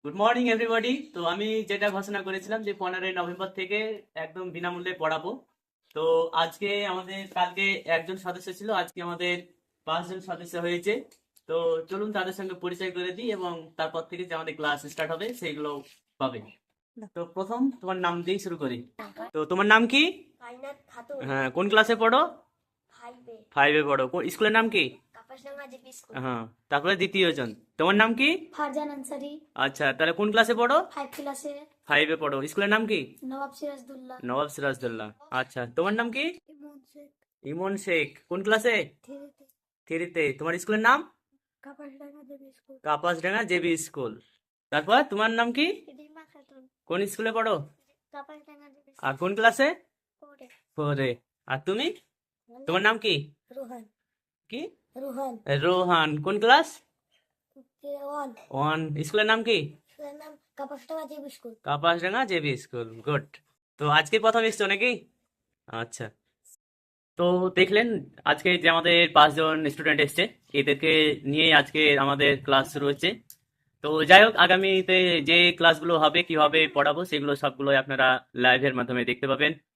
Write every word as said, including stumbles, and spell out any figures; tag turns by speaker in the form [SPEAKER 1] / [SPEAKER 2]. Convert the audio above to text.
[SPEAKER 1] Good morning everybody. তো আমি যেটা ঘোষণা করেছিলাম যে পনেরোই নভেম্বর থেকে একদম বিনামূল্যে পড়াবো। তো আজকে আমাদের, কালকে একজন সদস্য ছিল, আজকে আমাদের পাঁচজন সদস্য হয়েছে। তো চলুন তাদের সঙ্গে পরিচয় করে দিই এবং তারপর থেকে যে আমাদের ক্লাস স্টার্ট হবে সেগুলো পাবে। তো প্রথম তোমার নাম দিয়েই শুরু করি। তো তোমার নাম কি?
[SPEAKER 2] কায়নাত খাতুন।
[SPEAKER 1] হ্যাঁ, কোন ক্লাসে পড়ো?
[SPEAKER 2] ফাইভে।
[SPEAKER 1] ফাইভে পড়ো। কোন স্কুলের নাম কি?
[SPEAKER 2] Kapasdanga JP school.
[SPEAKER 1] হ্যাঁ, তারপরে দ্বিতীয় জন, তোমার নাম কি?
[SPEAKER 2] ফারজান আনসারি।
[SPEAKER 1] আচ্ছা, তাহলে কোন ক্লাসে পড়ো?
[SPEAKER 2] ফাইভ ক্লাসে।
[SPEAKER 1] ফাইভে পড়ো। স্কুলের নাম কি?
[SPEAKER 2] নবাব সিরাজদুল্লাহ।
[SPEAKER 1] নবাব সিরাজদৌল্লা। আচ্ছা, তোমার নাম কি?
[SPEAKER 2] ইমন শেখ।
[SPEAKER 1] ইমন শেখ। কোন ক্লাসে?
[SPEAKER 2] থ্রিতে।
[SPEAKER 1] থ্রিতে। তোমার স্কুলের নাম?
[SPEAKER 2] Kapasdanga JP school.
[SPEAKER 1] Kapasdanga JB school. তারপর তোমার নাম কি?
[SPEAKER 2] রিমা খাতুন।
[SPEAKER 1] কোন স্কুলে পড়ো?
[SPEAKER 2] কাপাসডাঙ্গা জেপি
[SPEAKER 1] আর
[SPEAKER 2] স্কুল।
[SPEAKER 1] কোন ক্লাসে?
[SPEAKER 2] ফোরে।
[SPEAKER 1] ফোরে। আর তুমি? তোমার নাম কি?
[SPEAKER 2] রোহান।
[SPEAKER 1] কি?
[SPEAKER 2] রোহান।
[SPEAKER 1] রোহান। কোন ক্লাস?
[SPEAKER 2] ওয়ান।
[SPEAKER 1] ওয়ান। স্কুলের নাম কি?
[SPEAKER 2] স্কুলের নাম Kapasdanga JP school.
[SPEAKER 1] Kapasdanga JB school. Good. তো আজকে প্রথম এসছো নাকি? আচ্ছা। তো দেখলেন আজকে যে আমাদের পাঁচজন স্টুডেন্ট এসছে, এদেরকে নিয়ে আজকে আমাদের ক্লাস শুরু হচ্ছে। তো যাই হোক, আগামীতে যে ক্লাসগুলো হবে, কিভাবে পড়াবো, সেগুলো সবগুলোই আপনারা লাইভের মাধ্যমে দেখতে পাবেন।